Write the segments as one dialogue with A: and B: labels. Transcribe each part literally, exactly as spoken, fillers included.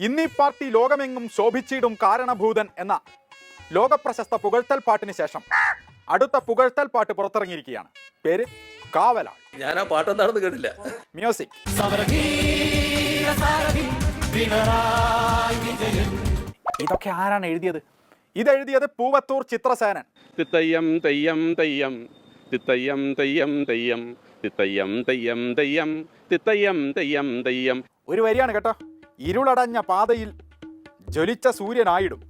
A: ഇന്നീ പാർട്ടി ലോകമെങ്ങും ശോഭിച്ചിടും കാരണഭൂതൻ എന്ന ലോകപ്രശസ്ത പുകഴ്ത്തൽ പാട്ടിന് ശേഷം അടുത്ത പുകഴ്ത്തൽ പാട്ട് പുറത്തിറങ്ങിയിരിക്കുകയാണ്. പേര് കാവലാൾ.
B: ഞാൻ ആ പാട്ടെന്താണെന്ന് കേട്ടില്ല.
A: മ്യൂസിക്. ഇതൊക്കെ ആരാണ് എഴുതിയത്? ഇതെഴുതിയത് പൂവത്തൂർ ചിത്രസേനൻ.
C: തിത്തയ്യം തെയ്യം തെയ്യം തിത്തയ്യം തെയ്യം തെയ്യം തിത്തയ്യം തെയ്യം തെയ്യം തിത്തയ്യം തെയ്യം തെയ്യം.
A: ഒരു വരിയാണ് കേട്ടോ. ഇരുളടഞ്ഞ പാതയിൽ ജ്വലിച്ച സൂര്യനായിടും,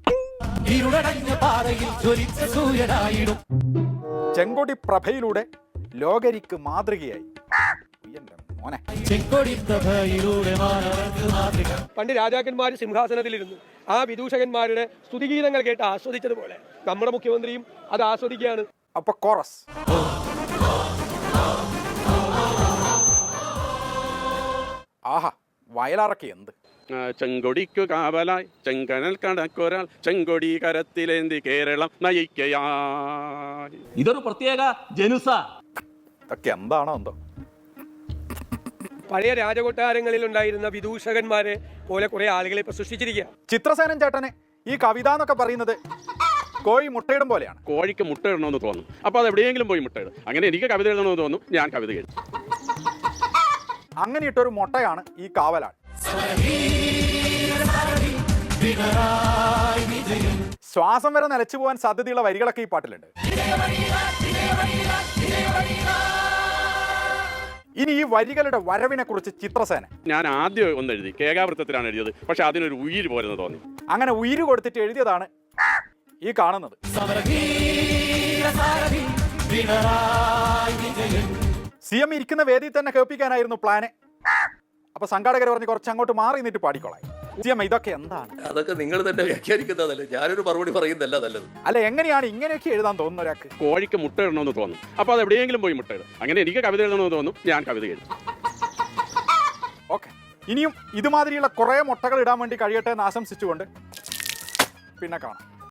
A: ചെങ്കൊടി പ്രഭയിലൂടെ ലോകരിക്ക് മാതൃകയായി. മോനെ,
D: പണ്ട് രാജാക്കന്മാർ സിംഹാസനത്തിലിരുന്നു ആ വിദൂഷകന്മാരുടെ സ്തുതിഗീതങ്ങൾ കേട്ട് ആസ്വദിച്ചതുപോലെ നമ്മുടെ മുഖ്യമന്ത്രിയും അത് ആസ്വദിക്കുകയാണ്.
A: അപ്പൊ കോറസ്. ആഹാ, വയലാറൊക്കെ എന്ത്!
C: ചെങ്കൊടിക്കു കാവലായി ചെങ്കനൽ കടക്കൊരാൾ ചെങ്കൊടി കരത്തിലേന്തി കേരളം നയിക്കയായി.
B: ഇതൊരു പ്രത്യേക ജനുസ.
A: ഇതൊക്കെ എന്താണോ എന്തോ.
D: പഴയ രാജകൊട്ടാരങ്ങളിൽ ഉണ്ടായിരുന്ന വിദൂഷകന്മാരെ പോലെ കുറെ ആളുകളെ ഇപ്പൊ സൃഷ്ടിച്ചിരിക്കുക.
A: ചിത്രസേനൻ ചേട്ടന് ഈ കവിത എന്നൊക്കെ പറയുന്നത് കോഴി മുട്ടയിടും പോലെയാണ്.
C: കോഴിക്ക് മുട്ട ഇടണമെന്ന് തോന്നും, അപ്പോൾ അത് എവിടെയെങ്കിലും പോയി മുട്ടയിടും. അങ്ങനെ എനിക്ക് കവിത എഴുതണമെന്ന് തോന്നും, ഞാൻ കവിത എഴുതും.
A: അങ്ങനെ ഇട്ടൊരു മുട്ടയാണ് ഈ കാവലാൾ. ശ്വാസം വരെ നിലച്ചു പോകാൻ സാധ്യതയുള്ള വരികളൊക്കെ ഈ പാട്ടിലുണ്ട്. ഇനി ഈ വരികളുടെ വരവിനെ കുറിച്ച് ചിത്രസേന.
C: ഞാൻ ആദ്യം ഒന്ന് എഴുതി, കേകാവൃത്തത്തിലാണ് എഴുതിയത്. പക്ഷെ അതിനൊരു ഉയിര് പോരെന്ന് തോന്നി.
A: അങ്ങനെ ഉയിര് കൊടുത്തിട്ട് എഴുതിയതാണ് ഈ കാണുന്നത്. സി എം ഇരിക്കുന്ന വേദിയിൽ തന്നെ കേൾപ്പിക്കാനായിരുന്നു പ്ലാന്. അപ്പൊ സംഘാടകർ പറഞ്ഞ് കുറച്ച് അങ്ങോട്ട് മാറി നിന്നിട്ട് പാടിക്കോളാം. സി എം, ഇതൊക്കെ എന്താണ്?
B: അതൊക്കെ നിങ്ങൾ തന്നെ വ്യാഖ്യാനിക്കുന്നതല്ലേ, ഞാനൊരു മറുപടി പറയുന്നതല്ല നല്ലത്.
A: അല്ല, എങ്ങനെയാണ് ഇങ്ങനെയൊക്കെ എഴുതാൻ തോന്നുന്ന ഒരാൾക്ക്?
C: കോഴിക്ക് മുട്ട ഇടണമെന്ന് തോന്നും, അപ്പോൾ അത് എവിടെയെങ്കിലും പോയി മുട്ട ഇടും. അങ്ങനെ എനിക്ക് കവിത എഴുതണമെന്ന് തോന്നും, ഞാൻ കവിത എഴുതും.
A: ഓക്കെ, ഇനിയും ഇതുമാതിരിയുള്ള കുറേ മുട്ടകൾ ഇടാൻ വേണ്ടി കഴിയട്ടെ എന്ന് ആശംസിച്ചുകൊണ്ട് പിന്നെ കാണാം.